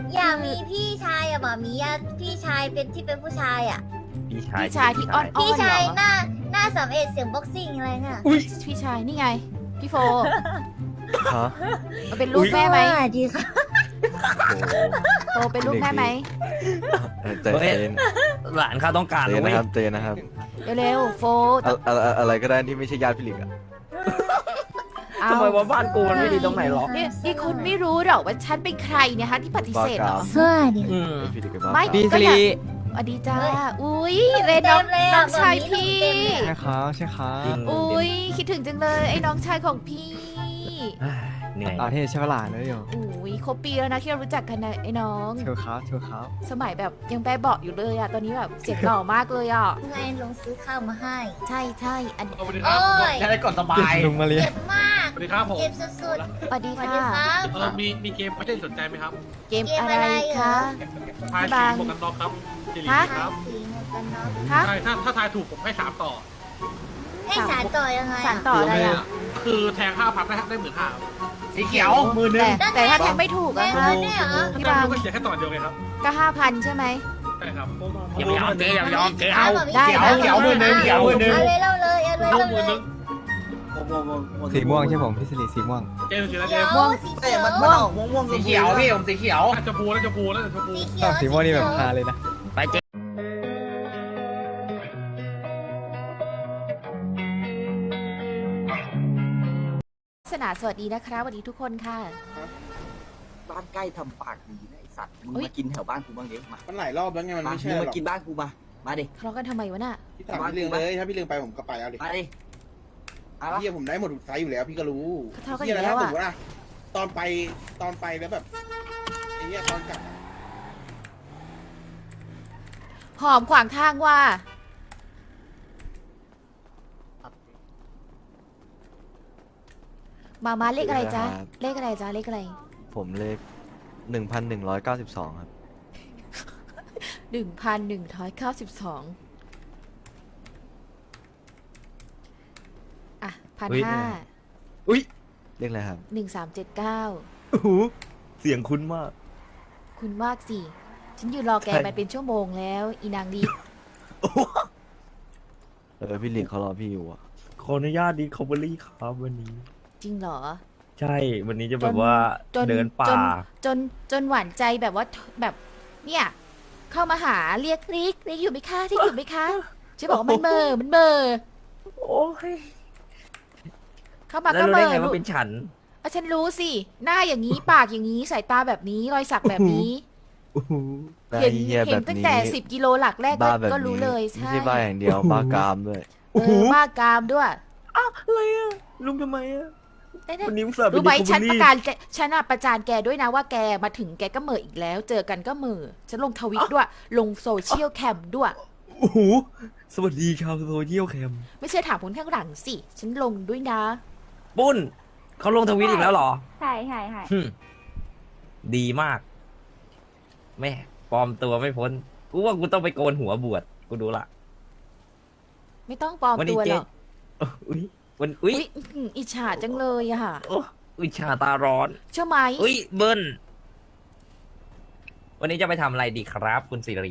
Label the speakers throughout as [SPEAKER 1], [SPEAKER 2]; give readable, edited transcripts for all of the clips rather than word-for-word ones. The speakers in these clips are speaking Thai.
[SPEAKER 1] อยากมีพี่ชายอะหมอมีอะพี่ชายเป็นที่เป็นผู้ชายอะ
[SPEAKER 2] พี่
[SPEAKER 3] พี่ชายที่อ้อน
[SPEAKER 1] พี่ชาย
[SPEAKER 3] เหรอ
[SPEAKER 1] หน้าสามเอ็ดเสียงบ็อกซิ่งอะไรเงี้ย
[SPEAKER 3] อุ้ยพี่ชายนี่ไง พี่โฟ
[SPEAKER 4] ฮะ
[SPEAKER 3] มาเป็นลูกแม่ไหม
[SPEAKER 1] สวัสดีค่ะ
[SPEAKER 4] โอ้โห
[SPEAKER 3] โฟเป็นลูกแม่ไหม
[SPEAKER 4] ใจเย็น
[SPEAKER 2] หลานเขาต้องการ
[SPEAKER 4] ใจเย็
[SPEAKER 2] นะ
[SPEAKER 4] น
[SPEAKER 2] เว้
[SPEAKER 4] นะ
[SPEAKER 2] ย
[SPEAKER 4] ครับใจเย็นนะครับ
[SPEAKER 3] เร็วๆโฟ
[SPEAKER 4] อะไรก็ได้ที่ไม่ใช่ญาติพี่หลิกอะ
[SPEAKER 3] เอา
[SPEAKER 2] ทำไมว่าบ้านกูมันไม่ดีตรงไหนหรอ
[SPEAKER 3] นี่คุณไม่รู้หรอกว่าฉันเป็นใครเนี่ยฮะที่ปฏิเสธเหรอ
[SPEAKER 1] สวัสดี
[SPEAKER 2] อืม
[SPEAKER 4] พี่หลิกเป็นบ้า
[SPEAKER 3] ไม่
[SPEAKER 4] ครับ
[SPEAKER 5] พี่
[SPEAKER 3] ก็
[SPEAKER 5] สิ
[SPEAKER 3] อยาก
[SPEAKER 5] ริ
[SPEAKER 3] สวัสดีจ้าอุ้ยเรนน้อง
[SPEAKER 1] เต็มเลยอะ
[SPEAKER 3] น้องชาย
[SPEAKER 1] แบบนี้
[SPEAKER 3] พี่
[SPEAKER 1] เต็มเลยอะ
[SPEAKER 5] ใช่ครับใช่ครับ
[SPEAKER 3] อุ้ยคิดถึงจังเลยไอ้น้องชายของพี่
[SPEAKER 2] เหนื่อย
[SPEAKER 5] เอาเทใช่เวลาเลยเดี๋ยว
[SPEAKER 3] อุ้ยครบปีแล้วนะที่เรารู้จักกันนะไอ้น้อง
[SPEAKER 5] เชียวครับเชียวครับ
[SPEAKER 3] สมัยแบบยังแบเบาะอยู่เลยอะตอนนี้แบบเสียงหล่อมากเลยอะ
[SPEAKER 1] ไงลงซื้อข้าวมาให้
[SPEAKER 3] ใช่ใช่อัน
[SPEAKER 6] สวัสดีค
[SPEAKER 1] โอ้
[SPEAKER 6] รับ
[SPEAKER 1] ย
[SPEAKER 2] จะได้กดสบาย
[SPEAKER 5] ลุงมาเรีย
[SPEAKER 1] เจ็บมาก
[SPEAKER 6] สวัสดีครับผม
[SPEAKER 1] เจ็บสุด
[SPEAKER 3] สวัสดี
[SPEAKER 1] ๆสวัสดี
[SPEAKER 3] ค่ะ
[SPEAKER 1] ครับ
[SPEAKER 6] มีเกมไม่ได้สนใจไหมครับ
[SPEAKER 3] เกมอะไรคะ
[SPEAKER 6] ทาย
[SPEAKER 3] บา
[SPEAKER 6] สี
[SPEAKER 3] ง
[SPEAKER 6] หมวกกันน็อกครับสิริ
[SPEAKER 3] ฮะ
[SPEAKER 6] ครับ
[SPEAKER 1] สีหมวกกันน็อก
[SPEAKER 3] ฮะ
[SPEAKER 6] ใช่ถ้าทายถูกผมให้สามต่อ
[SPEAKER 1] ให้สารต่อยังไงอะ
[SPEAKER 3] สารต่ออะไรอะ
[SPEAKER 6] คือแทง5,000ได้หมื่นห้า
[SPEAKER 2] สีเขียวมือหนึง
[SPEAKER 3] แต่ถ้าแทงไม่ถูก
[SPEAKER 1] แด
[SPEAKER 3] อะ
[SPEAKER 1] ง
[SPEAKER 3] คะ
[SPEAKER 1] แล้วเนี่ยเหรอ
[SPEAKER 3] พี่
[SPEAKER 6] ถ้า
[SPEAKER 3] บาง
[SPEAKER 6] ถูกก็เสียแค่ต่อเดียวไงครับ
[SPEAKER 3] ก็5,000ใช่ไหม
[SPEAKER 6] ใช่ครับ
[SPEAKER 2] อย่าไปยอมเจ๊อย่าไปยอมเจ๊
[SPEAKER 1] เอา
[SPEAKER 2] เอา
[SPEAKER 3] ได้
[SPEAKER 2] เขียวมือหนึ่งเขียวมือหนึ่ง
[SPEAKER 1] เอาเลยเราเลยเอาเลย
[SPEAKER 6] ลู
[SPEAKER 1] เรา
[SPEAKER 6] กมือ
[SPEAKER 1] เล
[SPEAKER 6] นึ
[SPEAKER 1] ย
[SPEAKER 6] ง
[SPEAKER 5] สีม่วงใช่ผมพี่สิริสีม่วง
[SPEAKER 6] เจ๊สีอะไร
[SPEAKER 1] เขี
[SPEAKER 6] เจ๊
[SPEAKER 1] ยวสีเขียว
[SPEAKER 2] สีเขียวพี่ผมสีเขียว
[SPEAKER 6] น่าจะพูน่าจะพูน่าจะพู
[SPEAKER 1] สีเขียว
[SPEAKER 5] สีม่วงนี่แบบฮาเลยนะ
[SPEAKER 2] ไปเจ๊
[SPEAKER 3] สนาสวัสดีนะครับสวัสดีทุกคนค่ะ
[SPEAKER 7] บ้านใกล้ทำปากดีนะไอสัตว์ มึง
[SPEAKER 3] อุ๊ย
[SPEAKER 7] มากินแถวบ้านกูบ้างดิมา
[SPEAKER 8] มันหลายรอบแล้วไงมัน
[SPEAKER 7] มา
[SPEAKER 8] ไม่ใช่
[SPEAKER 7] มึง
[SPEAKER 8] หร
[SPEAKER 7] มา
[SPEAKER 8] อก
[SPEAKER 7] กินบ้านกูมา มาดิ
[SPEAKER 3] ทะเลาะกันทำไมวะน่ะ
[SPEAKER 8] พี่ถามพี่เรื่องเลย ถ้าพี่เรื่องไปผมก็ไปเอาดิ
[SPEAKER 7] มาดิเอาละ
[SPEAKER 8] พี่ผมได้หมดทุกไซส์อยู่แล้วพี่ก็รู้
[SPEAKER 3] เขาทะเลาะกัน
[SPEAKER 8] พี่
[SPEAKER 3] อยู่
[SPEAKER 8] นะ
[SPEAKER 3] แล้ว
[SPEAKER 8] ถ้าส
[SPEAKER 3] อะ
[SPEAKER 8] มมติว่าตอนไปแล้วแบบไอ้เนี้ยตอนกลับอะ
[SPEAKER 3] หอมขวางทางว่า มาเลขอะไรจ๊ะ เลขอะไรจ๊ะ เลขอะไร
[SPEAKER 4] ผมเลข1192 ครับ
[SPEAKER 3] 1,192อ่ะ1,500
[SPEAKER 2] อุ้ย
[SPEAKER 4] เลขอะไรครับ
[SPEAKER 3] 1379
[SPEAKER 2] โอ้โหเสียงคุ้นมาก
[SPEAKER 3] คุณมากสิ ฉันยืนรอแก
[SPEAKER 2] ใช่
[SPEAKER 3] มาเป็นชั่วโมงแล้ว อีนางดี
[SPEAKER 4] พี่หลิกเขารอพี่อยู่อะ
[SPEAKER 2] ขออนุญาตดีคอเบอรี่ครับวันนี้
[SPEAKER 3] จริงเหรอ
[SPEAKER 2] ใช่วันนี้จะแบบว่า
[SPEAKER 3] จน
[SPEAKER 2] เดินป่า
[SPEAKER 3] จนหวานใจแบบว่าแบบเนี่ย เข้ามาหาเรียกริกอยู่ไหมคะที่อยู่ไหมคะฉันบอกว่ามันเบอร์มันเบอร์
[SPEAKER 2] โอ้ย
[SPEAKER 3] เข้ามา
[SPEAKER 2] แล้ว
[SPEAKER 3] ก็
[SPEAKER 2] รู้
[SPEAKER 3] เบ
[SPEAKER 2] ได้
[SPEAKER 3] อร์
[SPEAKER 2] ไง
[SPEAKER 3] ลู
[SPEAKER 2] ว่าก เป็นฉัน
[SPEAKER 3] อ่ะฉันรู้สิ หน้าอย่างนี้ปากอย่างนี้สายตาแบบนี้รอยสักแบบนี้
[SPEAKER 2] โอ้โห
[SPEAKER 4] ได้
[SPEAKER 3] เห็น
[SPEAKER 4] เฮีย
[SPEAKER 3] เห็
[SPEAKER 4] แบ
[SPEAKER 3] น
[SPEAKER 4] บ
[SPEAKER 3] ตั้ง
[SPEAKER 4] นี้
[SPEAKER 3] แต่10 กิโลหลักแรก
[SPEAKER 4] บ้าแบบ
[SPEAKER 3] ก็
[SPEAKER 4] นี้
[SPEAKER 3] รู้เลย
[SPEAKER 4] ไม่ใช่บ้าอย่างเดียวบ้ากามด้วย
[SPEAKER 3] บ้ากามด้วย
[SPEAKER 2] อะไรอะลุงทำไมอะ
[SPEAKER 3] ได้ได้
[SPEAKER 2] วันนี้อุตส่าห์เป็น
[SPEAKER 3] รู้ไหม
[SPEAKER 2] ดีคอ
[SPEAKER 3] ฉัน
[SPEAKER 2] เบอ
[SPEAKER 3] ประ
[SPEAKER 2] รี่
[SPEAKER 3] กาศแกฉันอะประจานแกด้วยนะว่าแกมาถึงแกก็เหม่ออีกแล้ว เจอกันก็เหม่อฉันลงทวิตด้วย ลงโซเชียลแคมด้วย
[SPEAKER 2] โอ้โหสวัสดีชาวโซเชียลแคม
[SPEAKER 3] ไม่เชื่อถามคนข้างหลังสิ ฉันลงด้วยนะ
[SPEAKER 2] ปุ้นเขาลงทวิตอีกแล้วเหรอ
[SPEAKER 9] ใช่ใช่ใช่
[SPEAKER 2] หึดีมาก แม่ปลอมตัวไม่พ้น กูว่ากูต้องไปโกนหัวบวช กูดูละ
[SPEAKER 3] ไม่ต้องปลอม
[SPEAKER 2] วันนี้
[SPEAKER 3] ตัวห
[SPEAKER 2] เจ๊
[SPEAKER 3] รอก
[SPEAKER 2] อุ้ยวันอุ้ย
[SPEAKER 3] อุ๊ยอิจฉาจังเลยอะค่ะ
[SPEAKER 2] โอ้อุ้ยชาตาร้อน
[SPEAKER 3] เชื่อไหม
[SPEAKER 2] อุ้ยเบิ้ลวันนี้จะไปทำอะไรดีครับ คุณสิริ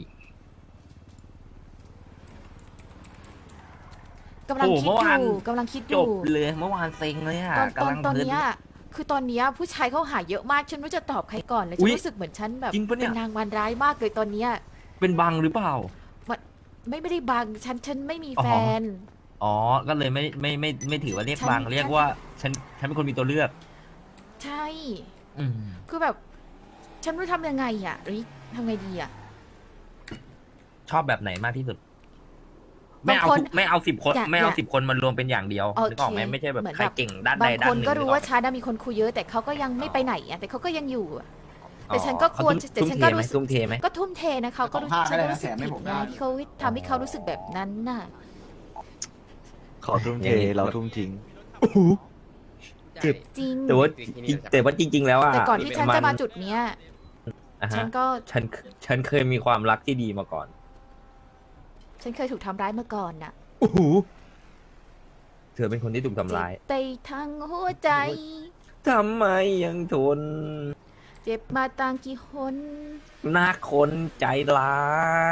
[SPEAKER 3] กำลังคิด
[SPEAKER 2] โอ้เมื่อ
[SPEAKER 3] อ
[SPEAKER 2] วาน
[SPEAKER 3] ยู่กำลังคิดอ
[SPEAKER 2] จ
[SPEAKER 3] ยู่
[SPEAKER 2] บเลยเมื่อวานเซ็งเลยอะ
[SPEAKER 3] ตอน
[SPEAKER 2] กำลัง
[SPEAKER 3] ตอน
[SPEAKER 2] เพลิน
[SPEAKER 3] เนี้ยคือตอนเนี้ยผู้ชายเขาหาเยอะมาก ฉันไม่รู้จะตอบใครก่อนเลย
[SPEAKER 2] อุ๊
[SPEAKER 3] ฉัน
[SPEAKER 2] ย
[SPEAKER 3] รู้สึกเหมือนฉันแบบ
[SPEAKER 2] จริงปะเนี่ย
[SPEAKER 3] เป็นนางวันร้ายมากเลยตอนเนี้ย
[SPEAKER 2] เป็นบังหรือเปล่า
[SPEAKER 3] ไม่ได้บังฉันไม่มี
[SPEAKER 2] อ๋อ
[SPEAKER 3] แฟน
[SPEAKER 2] อ๋อ ก็เลยไม่ถือว่าเรียก
[SPEAKER 3] ฉัน
[SPEAKER 2] บังเรียกว่าฉันเป็นคนมีตัวเลือก
[SPEAKER 3] ใช่
[SPEAKER 2] อืม
[SPEAKER 3] คือแบบ ฉันไม่รู้ทำยังไงอะริทำไงดีอะ
[SPEAKER 2] ชอบแบบไหนมากที่สุด ไม่เอา
[SPEAKER 3] บางคน
[SPEAKER 2] ไม่เอา10 คน
[SPEAKER 3] อยาก
[SPEAKER 2] ไม่เอา
[SPEAKER 3] อยาก
[SPEAKER 2] 10 คนมันรวมเป็นอย่างเดียว
[SPEAKER 3] โอเค
[SPEAKER 2] นึกออกไหมไม่ใช่แบบ
[SPEAKER 3] เหมือน
[SPEAKER 2] ใคร
[SPEAKER 3] แบบ
[SPEAKER 2] เก่งด้าน
[SPEAKER 3] บา
[SPEAKER 2] ใด
[SPEAKER 3] ง
[SPEAKER 2] ด้า
[SPEAKER 3] คน น
[SPEAKER 2] หนึ่ง
[SPEAKER 3] ก็รู้
[SPEAKER 2] นึออ
[SPEAKER 3] ว่าชาดามีคนคุยเยอะ แต่เขาก็ยังไม่ไปไหนอะแต่เขาก็ยังอยู่อะ แต่ฉันก็
[SPEAKER 2] อ๋อก
[SPEAKER 3] ลัว
[SPEAKER 2] เขา
[SPEAKER 3] แต่ฉันก็รู้สึก
[SPEAKER 2] ทุ่มเทไหม
[SPEAKER 3] ก็ทุ่มเทนะเขาก็รู้
[SPEAKER 8] ผ้า
[SPEAKER 3] ฉั
[SPEAKER 8] ก็
[SPEAKER 3] น
[SPEAKER 8] ได้
[SPEAKER 3] ก็
[SPEAKER 8] นะ
[SPEAKER 3] รู้สึก
[SPEAKER 8] แถมให้
[SPEAKER 3] ผิด
[SPEAKER 8] ผม
[SPEAKER 3] นะ
[SPEAKER 8] ได้
[SPEAKER 3] ที่เขาทำให้เขารู้สึกแบบนั้นน่ะ
[SPEAKER 4] ขอทุ่มเทเราทุ่มทิ้ง
[SPEAKER 2] เจ็บ
[SPEAKER 3] จริง
[SPEAKER 2] แต่ว่าจริง ๆ แล้วอ่ะ
[SPEAKER 3] แต่ก่อนที่ฉันจะมาจุดเนี้ย
[SPEAKER 2] อ่ะ
[SPEAKER 3] ฉั
[SPEAKER 2] ฮะ
[SPEAKER 3] นก็
[SPEAKER 2] ฉันเคยมีความรักที่ดีมาก่อน
[SPEAKER 3] ฉันเคยถูกทำร้ายมาก่อนน่ะ
[SPEAKER 2] โอ้โหเธอเป็นคนที่ถูกทำร้าย
[SPEAKER 3] เจ็บไปทั้งหัวใจ
[SPEAKER 2] ทำไมยังทน
[SPEAKER 3] เจ็บมาต่างกี่คน
[SPEAKER 2] หน้าคนใจร้าย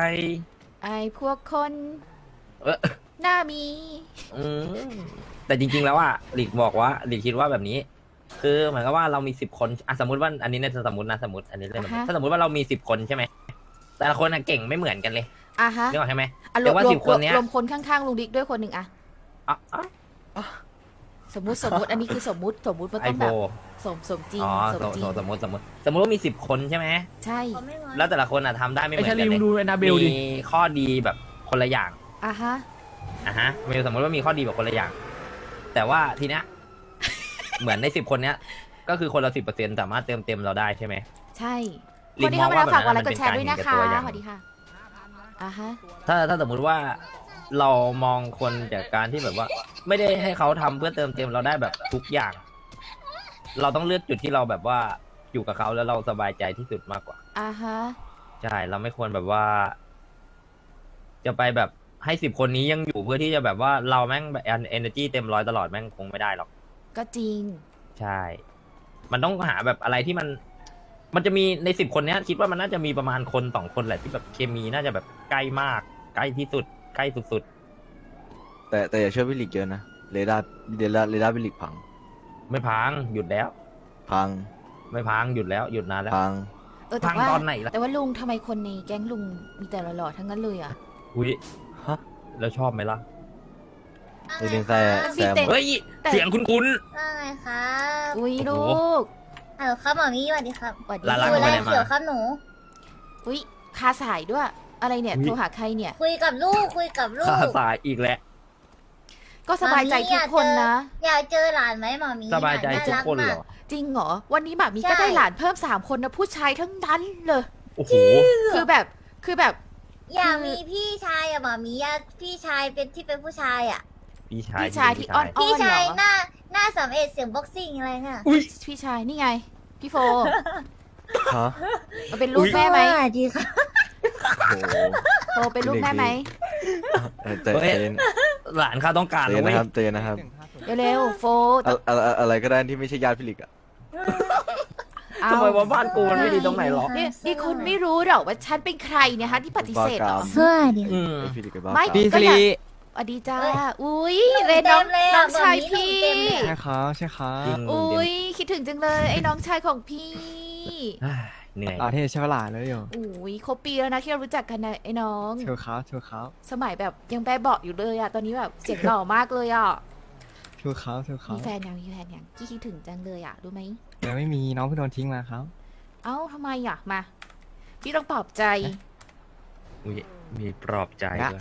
[SPEAKER 3] ไอ้พวกคน
[SPEAKER 2] เออ
[SPEAKER 3] หน้ามี
[SPEAKER 2] อืมแต่จริงๆแล้วอ่ะหลีกบอกว่าหลีกคิดว่าแบบนี้ คือเหมือนกับว่าเรามี10 คนอ่ะสมมติว่าอันนี้เนี่ยสมมตินะสมมติอันนี้เล่นสมมติถ้าสมมติว่าเรามี10 คนใช่ไหมแต่ละคนน่ะเก่งไม่เหมือนกันเลย
[SPEAKER 3] อ่ะฮะ
[SPEAKER 2] นึกออกใช่ไหม
[SPEAKER 3] อ่ะร
[SPEAKER 2] แต่
[SPEAKER 3] วม
[SPEAKER 2] ว่าร
[SPEAKER 3] วม
[SPEAKER 2] 10 คนเนี้ย
[SPEAKER 3] รวมคนข้างๆลุงดิ๊กด้วยคนหนึ่งอะ
[SPEAKER 2] อ่ะอ่ะ
[SPEAKER 3] สมมุติอันนี้คือสมมุติมัน
[SPEAKER 2] ไอ
[SPEAKER 3] ต้อง
[SPEAKER 2] โบ
[SPEAKER 3] แบบสมจริง
[SPEAKER 2] อ๋อ
[SPEAKER 3] สมจริง
[SPEAKER 2] สมมติว่ามี10 คนใช่ไหม
[SPEAKER 3] ใช่
[SPEAKER 1] เขาไม่งอน
[SPEAKER 2] แล้วแต่ละคนอ่ะทำได้ไม่เห
[SPEAKER 5] ไอ้
[SPEAKER 2] มือน
[SPEAKER 5] ชา
[SPEAKER 2] กั
[SPEAKER 5] ลี
[SPEAKER 2] นเล
[SPEAKER 5] มึ
[SPEAKER 2] ย
[SPEAKER 5] งดูแอนนาเบลดิ
[SPEAKER 2] มีข้อดีแบบคนละอย่าง
[SPEAKER 3] อ่ะฮะ
[SPEAKER 2] อ่ะฮะสมมติว่ามีข้อดีแบบคนละอย่าง แต่ว่าทีเนี้ย เหมือนใน10 คนเนี้ย ก็คือคนละ10%สามารถเติมเต็มเราได้ใช่ไหม
[SPEAKER 3] ใช่
[SPEAKER 2] ลิ
[SPEAKER 3] ค
[SPEAKER 2] ง
[SPEAKER 3] นที่เข้ามา
[SPEAKER 2] มองว่า
[SPEAKER 3] แล้วฝากกดไล
[SPEAKER 2] แบบนั้น
[SPEAKER 3] ค์กดแชร์ด้วยนะคะ
[SPEAKER 2] มันเป็นการเห็นแก่ตัวอย่าง
[SPEAKER 3] สวัสดีค่ะอ่ะฮะ
[SPEAKER 2] ถ้าสมมุติว่าเรามองคนจากการที่แบบว่า ไม่ได้ให้เขาทำเพื่อเติมเต็มเราได้แบบทุกอย่าง เราต้องเลือกจุดที่เราแบบว่าอยู่กับเขาแล้วเราสบายใจที่สุดมากกว่า
[SPEAKER 3] อ่ะฮะ
[SPEAKER 2] ใช่เราไม่ควรแบบว่า จะไปแบบให้10 คนนี้ยังอยู่เพื่อที่จะแบบว่าเราแม่งแบบ energy เต็มร้อยตลอดแม่งคงไม่ได้หรอก
[SPEAKER 3] ก็จริง
[SPEAKER 2] ใช่ มันต้องหาแบบอะไรที่มันจะมีใน10 คนเนี้ย คิดว่ามันน่าจะมีประมาณคน2 คนแหละที่แบบเคมีน่าจะแบบใกล้มาก ใกล้ที่สุด ใกล้สุด
[SPEAKER 4] แต่อย่าเชื่อวิลิกเยอะนะเรดาร์วิลิกพัง
[SPEAKER 2] ๆไม่พังหยุดแล้ว
[SPEAKER 4] พัง
[SPEAKER 2] ไม่พังหยุดแล้วหยุดนานแล้ว
[SPEAKER 4] พัง
[SPEAKER 3] แต่
[SPEAKER 2] พัง
[SPEAKER 3] ว่า
[SPEAKER 2] ตอนไหนล่ะ
[SPEAKER 3] แต่ว่าลุงทำไมคนในแก๊งลุงมีแต่หล่อๆทั้งนั้นเลยอ่ะ
[SPEAKER 2] อุ้ย
[SPEAKER 4] ฮะ
[SPEAKER 2] แล้วชอบไหมล่ะ
[SPEAKER 4] เรนแซ่แซม
[SPEAKER 2] เฮ้ย
[SPEAKER 3] แต่
[SPEAKER 2] เสียงคุ้น
[SPEAKER 1] ว่าไงครับ
[SPEAKER 3] อุ้ย
[SPEAKER 2] โอ้
[SPEAKER 3] ลู
[SPEAKER 2] โห
[SPEAKER 3] ก
[SPEAKER 1] ฮัลโหลครับหมอมี่สวัสดีครับ
[SPEAKER 3] สวัสดี
[SPEAKER 2] ลาลา
[SPEAKER 1] คุยอะไร
[SPEAKER 2] ไปไหนมา
[SPEAKER 1] เขียวครับหนู
[SPEAKER 3] อุ้ยคาสายด้วย อะไรเนี่ย
[SPEAKER 2] อุ๊ย
[SPEAKER 3] โทรหาใครเนี่ย
[SPEAKER 1] คุยกับลูกคุยกับลู
[SPEAKER 2] ๆ
[SPEAKER 1] ก
[SPEAKER 2] ข้าสายอีกแล้ว
[SPEAKER 3] ก็สบายใจทุกคนนะ
[SPEAKER 1] อยากเจอหลานไหมหมอมี่
[SPEAKER 2] สบายใจทุกคนเหรอ
[SPEAKER 3] จริงเหรอ วันนี้หมามี
[SPEAKER 1] ใช่
[SPEAKER 3] ก็ได้หลานเพิ่ม3 คนนะผู้ชายทั้งนั้นเลย
[SPEAKER 2] โอ้โห
[SPEAKER 3] คือแบบ
[SPEAKER 1] อยากมีพี่ชายอะหมอมี่อยากพี่ชายเป็นที่เป็นผู้ชายอะ
[SPEAKER 2] พี่ชาย
[SPEAKER 3] พี่ชายที่อ้อน
[SPEAKER 1] พี่
[SPEAKER 3] เหร
[SPEAKER 1] ชาย
[SPEAKER 3] อ
[SPEAKER 1] หน้า31เสียงบ็อกซิ่งอะไรเงี้ย
[SPEAKER 3] พี่ชายนี่ไง พี่โฟ
[SPEAKER 4] ฮะ
[SPEAKER 3] เอาเป็นลูกแม่ไหม
[SPEAKER 1] สวัสดีค่ะ
[SPEAKER 4] โอ้โห
[SPEAKER 3] โฟเป็นลูกแม่ไหม
[SPEAKER 4] ใจเย็น
[SPEAKER 2] หลานข้าต้องการ
[SPEAKER 4] ใจ
[SPEAKER 2] แล้
[SPEAKER 4] เย็
[SPEAKER 2] วน เว้
[SPEAKER 4] นะ
[SPEAKER 2] ย
[SPEAKER 4] ครับใจเย็นนะครับ
[SPEAKER 3] เร็วๆโฟ
[SPEAKER 4] อะไรก็ได้ที่ไม่ใช่ญาติพี่ลิกอะ
[SPEAKER 3] เอา
[SPEAKER 2] ทำไมว่าบ้านกูมันไม่ดีตรงไหนหรอ
[SPEAKER 3] นี่คุณไม่รู้หรอกว่าฉันเป็นใครเนี่ยฮะที่ปฏิเสธเหรอ
[SPEAKER 1] สวัสดี
[SPEAKER 2] อืม
[SPEAKER 4] พี่ลิกกับบ้า
[SPEAKER 3] ไม่
[SPEAKER 5] พี่
[SPEAKER 3] ก็
[SPEAKER 5] สิ
[SPEAKER 3] อยาก
[SPEAKER 5] ริ
[SPEAKER 3] สวัสดีจ้า
[SPEAKER 1] เอ้ย
[SPEAKER 3] อุ้ย
[SPEAKER 1] หนู
[SPEAKER 3] เรนน้อง
[SPEAKER 1] เต็มเลย
[SPEAKER 3] น้
[SPEAKER 1] อะ
[SPEAKER 3] องชาย
[SPEAKER 1] แบบนี้
[SPEAKER 3] พี่
[SPEAKER 1] หนูเต็มเลย
[SPEAKER 5] ใช่ครับใช่ครั
[SPEAKER 2] จริ
[SPEAKER 5] บ
[SPEAKER 2] ง
[SPEAKER 3] อุ้ยคิดถึงจังเลยไอ้น้องชายของพี่
[SPEAKER 2] อ่าเหนื่อย
[SPEAKER 5] หล่อเท่ใช่ปะล่ะเลยอยู่
[SPEAKER 3] อุ้ยครบปีแล้วนะที่เรารู้จักกันนะไอ้น้อง
[SPEAKER 5] เชียวครับเชียวครับ
[SPEAKER 3] สมัยแบบยังแบบเบาะอยู่เลยอะตอนนี้แบบเสียงหล่อมากเลยอะ
[SPEAKER 5] เชียวครับเชียวครั
[SPEAKER 3] มี
[SPEAKER 5] บ
[SPEAKER 3] แฟนยังพี่คิดถึงจังเลยอะรู้ไหม
[SPEAKER 5] ยังไม่มีน้องเพิ่งโดนทิ้งมาครับ
[SPEAKER 3] เอ้าทำไมอะมา พี่ต้องปลอบใจ
[SPEAKER 2] อุ๊ยมีปลอบใจด้วย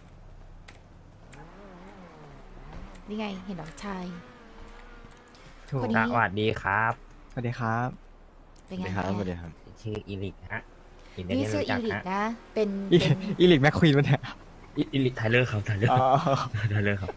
[SPEAKER 3] นี่ไงเห็นน้องชาย
[SPEAKER 5] ถูก
[SPEAKER 3] คน
[SPEAKER 2] ส
[SPEAKER 3] นี้
[SPEAKER 2] วัสดีครับ
[SPEAKER 5] สวัสดีครับ
[SPEAKER 3] เป็น
[SPEAKER 4] ส
[SPEAKER 3] ไง
[SPEAKER 4] วัสดีครับสวัสดี
[SPEAKER 3] เนี่ย
[SPEAKER 4] ครับ
[SPEAKER 2] ชื่ออีลิกฮะอินเดีย
[SPEAKER 3] นี่
[SPEAKER 2] น
[SPEAKER 3] ชื่อ
[SPEAKER 2] รู้
[SPEAKER 3] อี
[SPEAKER 2] จัก
[SPEAKER 3] ริก
[SPEAKER 2] ฮะ
[SPEAKER 3] นะ เป็น
[SPEAKER 5] อี
[SPEAKER 3] เป็น
[SPEAKER 5] อีลิกแม็กควีนวะเนี่ย
[SPEAKER 2] อีลิกไทเลอร์ครับไทเลอร์
[SPEAKER 5] อ๋อ
[SPEAKER 2] ไทเลอร์ครับ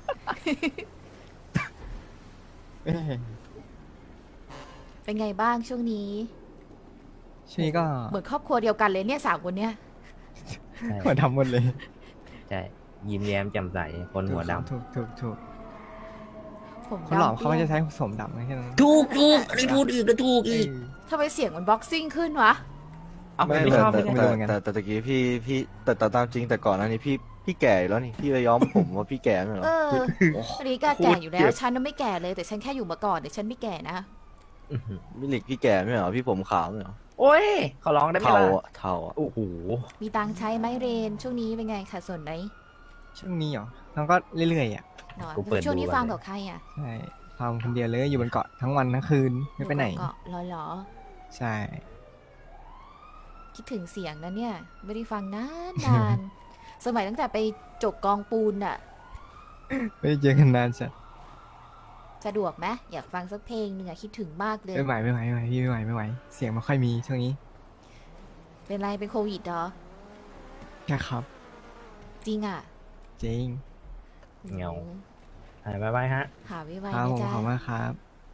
[SPEAKER 5] เอ้ย
[SPEAKER 3] เป็นไงบ้างช่วงนี้
[SPEAKER 5] ช่วงนี้ก็
[SPEAKER 3] เหมือนครอบครัวเดียวกันเลยเนี่ย3 คนเนี่ย
[SPEAKER 2] ใช่
[SPEAKER 5] หัวดำหมดเลย
[SPEAKER 2] ใช่ยิ้มแย้มแจ่มใสคนหัวด
[SPEAKER 5] ถูก
[SPEAKER 3] ผม
[SPEAKER 5] คนหล่อ
[SPEAKER 3] ดำ
[SPEAKER 5] เขาไม่จะใช้สมดำนะแค่นั้น
[SPEAKER 2] ำถูกอันนี้พูดอีกก็ถูกอีก
[SPEAKER 3] ทำไมเสียงมันบ็อกซิ่งขึ้นวะ
[SPEAKER 2] เอา
[SPEAKER 4] ไม่
[SPEAKER 2] ไม่ชอบไม่
[SPEAKER 5] ไม่
[SPEAKER 2] ได้
[SPEAKER 5] รู้เหมือนกัน
[SPEAKER 4] แต่ตะกี้พี่แต่ตามจริงแต่ก่อนหน้านี้พี่แก่อยู่แล้วนี่พี่ไปย้อมผมว่าพี่แก่ไม่เหรอ
[SPEAKER 3] เอออันนี้ก็แก่อยู่แล้ว ฉันน่ะไม่แก่เลย แต่ฉันแค่อยู่มาก่อนแต่ฉันไม่แก่นะ
[SPEAKER 2] อื้อหือ
[SPEAKER 4] พี่ลิกพี่แก่ไม่เหรอพี่ผมขาวไม่เหรอ
[SPEAKER 2] โอ้ยเขาร้องได้ไหม
[SPEAKER 4] เทา
[SPEAKER 2] ล่ะ
[SPEAKER 4] อะเทาอะ
[SPEAKER 2] โอ้โห
[SPEAKER 3] มีตังค์ใช้ไหมเรน ช่วงนี้เป็นไงขาดส่วนไหน
[SPEAKER 5] ช่วงนี้เหรอน้องก็เรื่อยๆอ่ะ
[SPEAKER 3] หนอน
[SPEAKER 2] กูเปิด
[SPEAKER 3] ช่วงนี้
[SPEAKER 2] ดู
[SPEAKER 3] ฟาร์ม
[SPEAKER 2] เลย
[SPEAKER 3] กับใครอ่ะ
[SPEAKER 5] ใช่ฟาร์มคนเดียวเลยอยู่บนเกาะทั้งวันทั้งคืนไม่ไปไหน
[SPEAKER 3] เกาะหรอ
[SPEAKER 5] ใช่
[SPEAKER 3] คิดถึงเสียงนะเนี่ย ไม่ได้ฟังนาน สมัยตั้งแต่ไปจกกองปูนอะ
[SPEAKER 5] ไม่ได้เจอกันนานจัด
[SPEAKER 3] สะดวกไหมอยากฟังสักเพลงหนึ่งอะคิดถึงมากเลย
[SPEAKER 5] ไม่ไหวพี่ไม่ไหวเสียงไม่ค่อยมีช่วงนี้
[SPEAKER 3] เป็นไรเป็นโควิดเหรอ
[SPEAKER 5] ใช่ครับ
[SPEAKER 3] จริงอะ
[SPEAKER 5] จริง
[SPEAKER 2] เงา หายบายฮะ
[SPEAKER 3] หาไว้
[SPEAKER 5] ครั
[SPEAKER 3] นะ
[SPEAKER 5] บผม
[SPEAKER 3] จ๊ะ
[SPEAKER 5] ขอบคุณมากครับ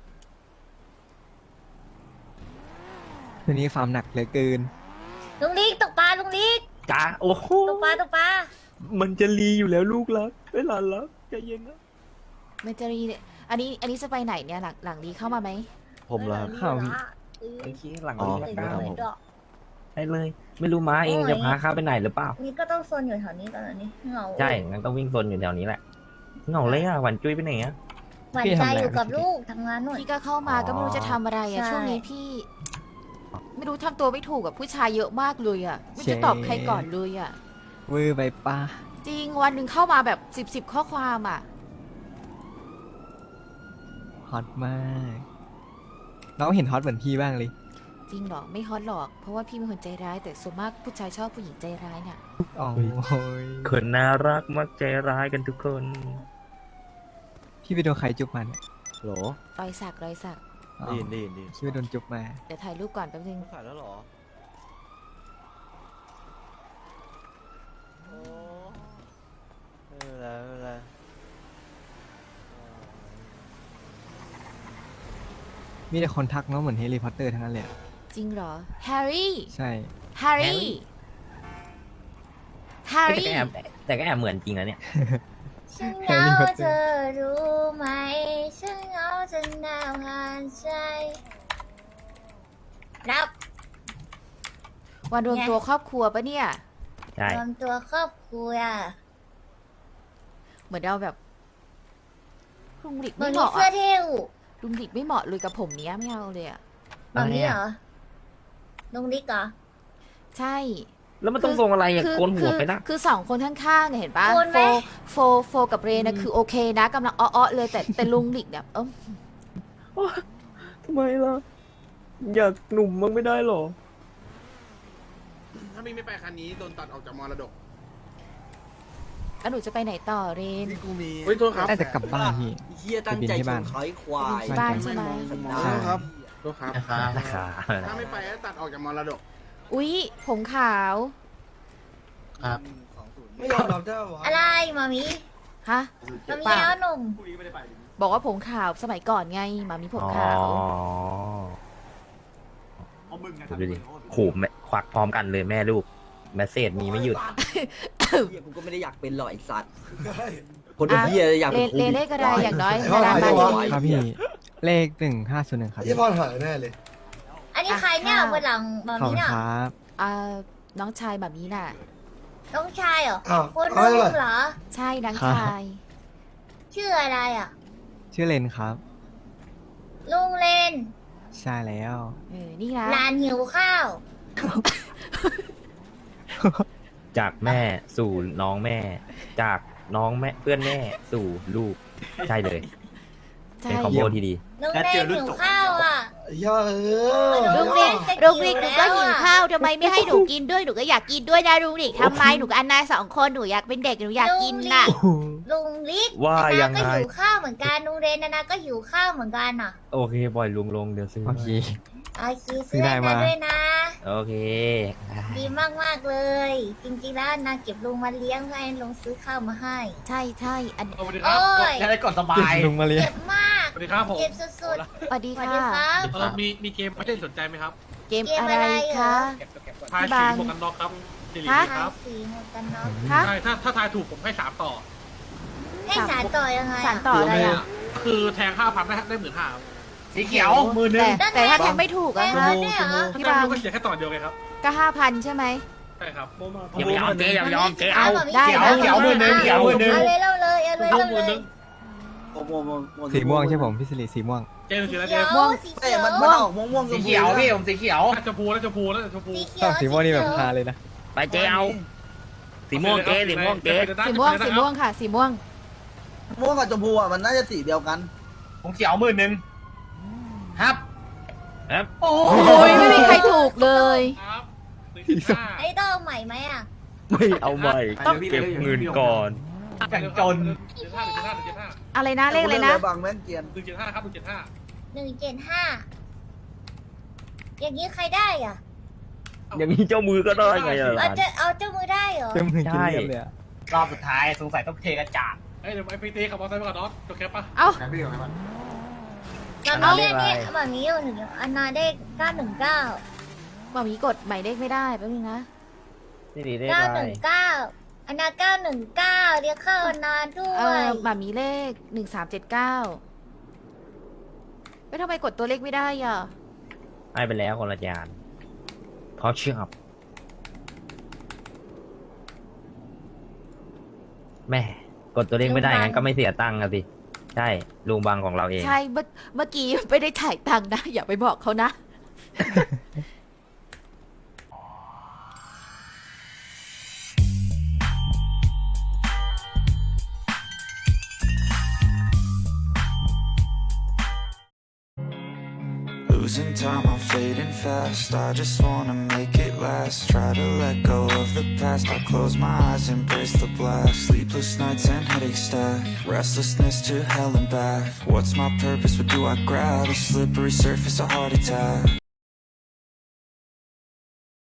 [SPEAKER 5] วันนี้ฟาร์มหนักเหลือเกิน
[SPEAKER 1] ลุงลิกตกปลาลุงลิก
[SPEAKER 2] จ้าโอ้โห
[SPEAKER 1] ตกปลา
[SPEAKER 2] มันจะรีอยู่แล้วลูกรักเวลารักใจเย็นนะ
[SPEAKER 3] มันจะรีเนี่ยอันนี้จะไปไหนเนี่ยหลังนี้เข้ามาไหม
[SPEAKER 4] ผมแล้วครับ
[SPEAKER 5] ข้าว
[SPEAKER 2] โอเคหลัง
[SPEAKER 4] อ๋อ
[SPEAKER 2] นี้
[SPEAKER 1] ตื่น
[SPEAKER 2] ละ
[SPEAKER 1] เล
[SPEAKER 2] กัน
[SPEAKER 1] ยด้วย
[SPEAKER 2] ได้เลย ไม่รู้ม้าเองจะพาข้าไปไหนหรือเปล่า
[SPEAKER 1] นี่ก็ต้องโซนอยู่แถวนี้ตอนนี้เหงา
[SPEAKER 2] ใช่งั้นต้องวิ่งโซนอยู่แถวนี้แหละเหงาเลยอ่ะหวานจุ้ยไปไหนอ่ะ
[SPEAKER 1] หวานใจอยู่กับลูกทำงานหน่อย
[SPEAKER 3] พี่ก็เข้ามาก็ไม่รู้จะทำอะไรอะ
[SPEAKER 1] ใช่
[SPEAKER 3] ช่วงนี้พี่ ไม่รู้ทำตัวไม่ถูกกับผู้ชายเยอะมากเลยอะไม่รู้จะตอบใครก่อนเลยอะ
[SPEAKER 5] เวอร์ไปป้า
[SPEAKER 3] จริงวันหนึ่งเข้ามาแบบ10ข้อความอะ
[SPEAKER 5] ฮอตมากน้องเห็นฮอตเหมือนพี่บ้างเลย
[SPEAKER 3] จริงเหรอไม่ฮอตหรอกเพราะว่าพี่เป็นคนใจร้ายแต่ส่วนมากผู้ชายชอบผู้หญิงใจร้ายเนี่ย
[SPEAKER 5] โอ้ย
[SPEAKER 2] คนน่ารักมักใจร้ายกันทุกคน
[SPEAKER 5] พี่ไปโดนใครจุ๊บมาเนี่ย
[SPEAKER 4] โหล
[SPEAKER 3] รอยสักรอยสัก
[SPEAKER 5] อ๋อ
[SPEAKER 4] ดีน
[SPEAKER 5] พี่ไปโดนจุ๊บมา
[SPEAKER 3] เดี๋ยวถ่ายรูปก่อนแป๊บนึง
[SPEAKER 4] ขายแล้วเหรอโอ้ไม่เป็นไรไม่เป็นไร
[SPEAKER 5] มีแต่คนทักน้องเหมือนแฮร์รี่พอตเตอร์ทั้งนั้นเลยอะ
[SPEAKER 3] จริงเหรอแฮร์รี่
[SPEAKER 5] ใช่
[SPEAKER 3] แฮร์รี่แฮร์
[SPEAKER 2] แต่
[SPEAKER 3] รี่
[SPEAKER 2] ก็แอบเหมือนจริงนะเนี่ย
[SPEAKER 1] ฉันเหงาเธอรู้ไหมฉันเหงาจนหนาวหานใจรับ
[SPEAKER 3] วันรวมตัวครอบครัวปะเนี่ย
[SPEAKER 2] ใช่
[SPEAKER 1] รวมตัวครอบครัว
[SPEAKER 3] เหมือนเราแบบลุงหลิก
[SPEAKER 1] มั
[SPEAKER 3] ไม่
[SPEAKER 1] น
[SPEAKER 3] เห
[SPEAKER 1] มี
[SPEAKER 3] มาะ
[SPEAKER 1] เสื้อ
[SPEAKER 3] อะ
[SPEAKER 1] เท่ว
[SPEAKER 3] ลุงหลิกไม่เหมาะเลยกับผมเนี้ยไม่เอาเลยอะ
[SPEAKER 1] แบบนี้เหรอลุงลิกเหรอ
[SPEAKER 3] ใช่
[SPEAKER 2] แล้วมันต้องทรงอะไรอ่ะโกนหัวไปนะ
[SPEAKER 3] คือสองคนข้างๆเนี่ยเห็นปะ
[SPEAKER 1] โกนไหม
[SPEAKER 3] โฟกับเรนะคือโอเคนะกำลังอ้อๆเลยแต่ลุงหลิกเนี่ย
[SPEAKER 2] ทำไมล่ะ อยากหนุ่มมั้งไม่ได้หรอ
[SPEAKER 8] ถ้ามีไม่ไปคันนี้โดนตัดออกจากมรดก
[SPEAKER 3] แล้วหนูจะไปไหนต่อเรน
[SPEAKER 7] นี่กูมี
[SPEAKER 8] เฮ้ยโทษครับ
[SPEAKER 5] น่าจะกลับบ้านพี่
[SPEAKER 7] เฮียตั้งใจชนเขาไอ้ควาย
[SPEAKER 3] บ้านใช่ไหม
[SPEAKER 8] ใช่ครับโทษครับ
[SPEAKER 2] นะคะ
[SPEAKER 8] ถ้าไม่ไปก็ตัดออกจากมรดก
[SPEAKER 3] อุ๊ยผมขาว
[SPEAKER 7] ไม่ยอมรับได้หรอ
[SPEAKER 1] อะไรมามี
[SPEAKER 3] ฮะ
[SPEAKER 1] มามีแล้วหนุ่ม
[SPEAKER 3] บอกว่าผมขาวสมัยก่อนไงหมามีผม
[SPEAKER 2] อ๋อ
[SPEAKER 3] ขาว
[SPEAKER 2] ดูดิขู่แม่ควักพร้อมกันเลยแม่ลูกแมสเซจมีไม่หยุด
[SPEAKER 7] เฮียกูก็ไม่ได้อยากเป็นหรอกไอ้สัตว์คนเป็นเฮียอยาก
[SPEAKER 3] เล
[SPEAKER 7] เป็น
[SPEAKER 3] น
[SPEAKER 7] โค
[SPEAKER 3] เล
[SPEAKER 7] วิ
[SPEAKER 3] น
[SPEAKER 7] ด
[SPEAKER 3] เลขอะไรอย่างน้อย
[SPEAKER 9] ไอ้พ่อ
[SPEAKER 3] ดารา
[SPEAKER 9] ไหน
[SPEAKER 3] บ้าน
[SPEAKER 9] วะ
[SPEAKER 3] นี้
[SPEAKER 5] ครับพี่ เลข1501ครับ
[SPEAKER 9] ไอ้พ่อหายแน่เลย
[SPEAKER 1] อันนี้ใครเนี่ยบนหลังมา
[SPEAKER 5] ขอบ
[SPEAKER 1] มี
[SPEAKER 5] คุณ
[SPEAKER 1] เนี่ย
[SPEAKER 5] ครับ
[SPEAKER 3] น้องชายแบบนี้น่ะ
[SPEAKER 1] น้องชายเหรอ
[SPEAKER 9] อ้าว
[SPEAKER 1] คน
[SPEAKER 9] เอา
[SPEAKER 1] นุ่
[SPEAKER 9] ไว้
[SPEAKER 1] ม
[SPEAKER 9] เลย
[SPEAKER 1] เหรอ
[SPEAKER 3] ใช่น้องชาย
[SPEAKER 1] ชื่ออะไรอ่ะ
[SPEAKER 5] ชื่อเลนครับ
[SPEAKER 1] ลุงเลน
[SPEAKER 5] ใช่แล้ว
[SPEAKER 3] นี่นะ
[SPEAKER 1] หลานหิวข้าว
[SPEAKER 2] จากแม่สู่น้องแม่ จากน้องแม่เพื่อนแม่สู่ลูก ใช่เลย
[SPEAKER 3] ใช่
[SPEAKER 2] เป็นคอมโบที่ดี
[SPEAKER 1] ลุงเลนหิวข้าวอ่ะ
[SPEAKER 9] ไอ้ย่าเออ
[SPEAKER 3] ลุงหลิกลุงหลิกหนูก็หิวข้าวทำไมไม่ให้หนูกินด้วยหนูก็อยากกินด้วยนะลุงหลิกทำไมหนูกับอันนา2 คนหนูอยากเป็นเด็กหนูอยากกินน่ะ
[SPEAKER 1] ลุงลิก
[SPEAKER 2] ว่า
[SPEAKER 1] อัน
[SPEAKER 2] ยั
[SPEAKER 1] นาง ก็
[SPEAKER 2] ไง
[SPEAKER 1] หิวข้าวเหมือนกันลุงเลนอันนาก็หิวข้าวเหมือนกันอ่ะ
[SPEAKER 2] โอเคปล่อยลุงลงเดี๋ยวซื้อ
[SPEAKER 5] โอเค
[SPEAKER 1] โอเคซื้อให้นาด้วยนะ
[SPEAKER 2] โอเค
[SPEAKER 1] ดีมากมากๆเลย จริงๆแล้วนาเก็บลุงมาเลี้ยงให้ลุงซื้อข้าวมาให้
[SPEAKER 3] ใช่ใช่อัน
[SPEAKER 6] สวัสดีครับ
[SPEAKER 1] โอ้ย
[SPEAKER 6] จะได้กดสบาย
[SPEAKER 5] ลุงมาเรียน
[SPEAKER 1] เก็บมาก
[SPEAKER 6] สวัสดีครับผม
[SPEAKER 1] เก็บสุด
[SPEAKER 3] สวัสดี
[SPEAKER 1] ๆสวัส
[SPEAKER 3] ค่ะ
[SPEAKER 1] ดีครับ
[SPEAKER 6] มีเกมไม่ได้สนใจไหมครับ
[SPEAKER 3] เกมอะไรคะ
[SPEAKER 6] ทาย
[SPEAKER 3] พี่
[SPEAKER 6] สี
[SPEAKER 3] บาง
[SPEAKER 6] หมวกกันน็อกครับสิริ
[SPEAKER 3] ฮะ
[SPEAKER 6] ค
[SPEAKER 1] ทา
[SPEAKER 6] รับ
[SPEAKER 1] สีหมวกกันน็อก
[SPEAKER 3] ฮะ
[SPEAKER 6] ใช่ถ้าทายถูกผมให้3ต่อ
[SPEAKER 1] ให้สารต่อยังไง
[SPEAKER 3] สารต่ออะไรอ่ะ
[SPEAKER 6] คือแทง5,000ได้15,000ครับ
[SPEAKER 3] สีเขียวมือนึงแต่ถ้าแทงไม่ถูก
[SPEAKER 1] แล้
[SPEAKER 3] อะ
[SPEAKER 1] ว
[SPEAKER 3] คะ
[SPEAKER 1] เนี่ยเหรอ
[SPEAKER 6] ถ้า
[SPEAKER 3] พี่
[SPEAKER 6] ได้
[SPEAKER 3] บาง
[SPEAKER 6] ก็เสียแค่ต่อเดียวไงครับ
[SPEAKER 3] ก็5,000ใช่ไหม
[SPEAKER 6] ใช่ครับ
[SPEAKER 2] อย่าไปยอมเจ๊อย่าไปยอมเจ๊เอา
[SPEAKER 3] ได้
[SPEAKER 1] เขียวมือนึงเอาเลยเอาเลยเอาเลย
[SPEAKER 6] ลู
[SPEAKER 1] เอา
[SPEAKER 6] กมือ
[SPEAKER 1] เล
[SPEAKER 6] นึ
[SPEAKER 1] ย
[SPEAKER 6] ง
[SPEAKER 5] สีม่วงใช่ผมพี่สิริสีม่วง
[SPEAKER 6] เจนสีแล้ว
[SPEAKER 1] เขี
[SPEAKER 6] เจ
[SPEAKER 1] ย
[SPEAKER 6] น
[SPEAKER 1] วสี
[SPEAKER 7] เอ้
[SPEAKER 1] เขี
[SPEAKER 7] ย
[SPEAKER 1] ยว
[SPEAKER 7] มันออกม่วงๆสีเขียวพี่ผมสีเขียว
[SPEAKER 6] น่าจะพูแล้วจะพูแล้วจะพู
[SPEAKER 1] สีเขี
[SPEAKER 5] ช
[SPEAKER 1] ย
[SPEAKER 5] อ
[SPEAKER 1] ว
[SPEAKER 5] บสีม่วงนี่แบบพาเลยนะ
[SPEAKER 2] ไปเจ๊เอา สีม่วงเจ๊สีม่วงเจ๊
[SPEAKER 3] สีม่วงสีม่วงค่ะ สีม่วง
[SPEAKER 7] ม่วงกับชมพูอ่ะมันน่าจะสีเดียวกัน
[SPEAKER 6] ผมเขียวมือนึงครับ
[SPEAKER 2] ครับ
[SPEAKER 3] โอ้ยไม่มีใครถูกเลย
[SPEAKER 6] ครับ
[SPEAKER 1] ไอ้ต้องเอาใหม่ไหมอ่ะ
[SPEAKER 2] ไม่เอาใหม่ต้องเก็บเงินก่อน
[SPEAKER 6] 175 175
[SPEAKER 3] อะไรนะเลขอะไรนะ
[SPEAKER 7] บางแม่งเกียน
[SPEAKER 6] 175ครับ175
[SPEAKER 1] 175อย่างนี้ใครได้อ่ะ
[SPEAKER 2] อย่างนี้เจ้ามือก็ได้ไงอ่ะหลาน
[SPEAKER 1] เอาเจ้ามือได้เหรอ
[SPEAKER 5] เต็มมือกินเรียบเลยอะ
[SPEAKER 6] รอบสุดท้ายสงสัยต้องเทกระจาดเฮ้ยเดี๋ยวไอ้พีตีขับมอเตอร์ไซค์ไปก่อนเนาะจบแคปปะ
[SPEAKER 3] เอ้า
[SPEAKER 1] แบบนี้อันนี้แบบนี้อยู่หนึ่งอันนาได้919
[SPEAKER 3] หมามีกดหมายเลขไม่ได้แป๊บนึงนะ
[SPEAKER 2] นี่ดีได้ไร
[SPEAKER 1] 919อันนา919เรียกเข้าอันนาด้ว
[SPEAKER 3] เอย อหมามีเลข1379เอ้ยทำไมกดตัวเลขไม่ได้อ่ะ
[SPEAKER 2] ให้ไปแล้วคนละจานเพราะเชื่อมแม่กดตัวเลขไม่ได้งั้นก็ไม่เสียตังค์อะสิ ใช่ลุงบังของเราเอง
[SPEAKER 3] ใช่เมื่อกี้ไม่ได้ถ่ายตังค์นะ อย่าไปบอกเขานะ
[SPEAKER 10] Losing time, I'm fading fast. I just wanna make it last. Try to let go of the past. I close my eyes, embrace the blast. Sleepless nights and headaches stack. Restlessness to hell and back. What's my purpose? What do I grab? A slippery surface, a heart attack.